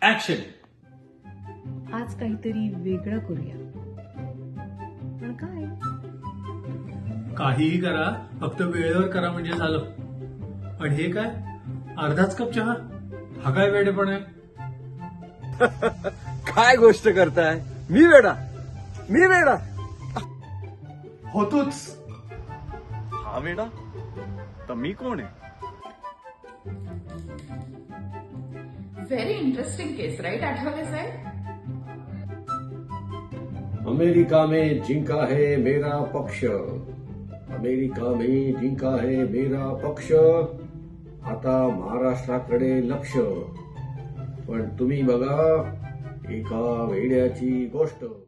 Action. आज काहीतरी वेगळं करूया. पण काय? काहीही करा, फक्त वेळेवर करा म्हणजे झालं. आणि हे काय, अर्धाच कप चहा? हा काय वेडेपण आहे? काय गोष्ट करताय? मी वेडा होतोच. हा वेडा तर मी कोण आहे? Very interesting case, right, Athawale साहेब? अमेरिका में जिंका है मेरा पक्ष. अमेरिका में जिंका है मेरा पक्ष. आता महाराष्ट्राकडे लक्ष. पण तुम्ही बघा एका वेड्याची गोष्ट.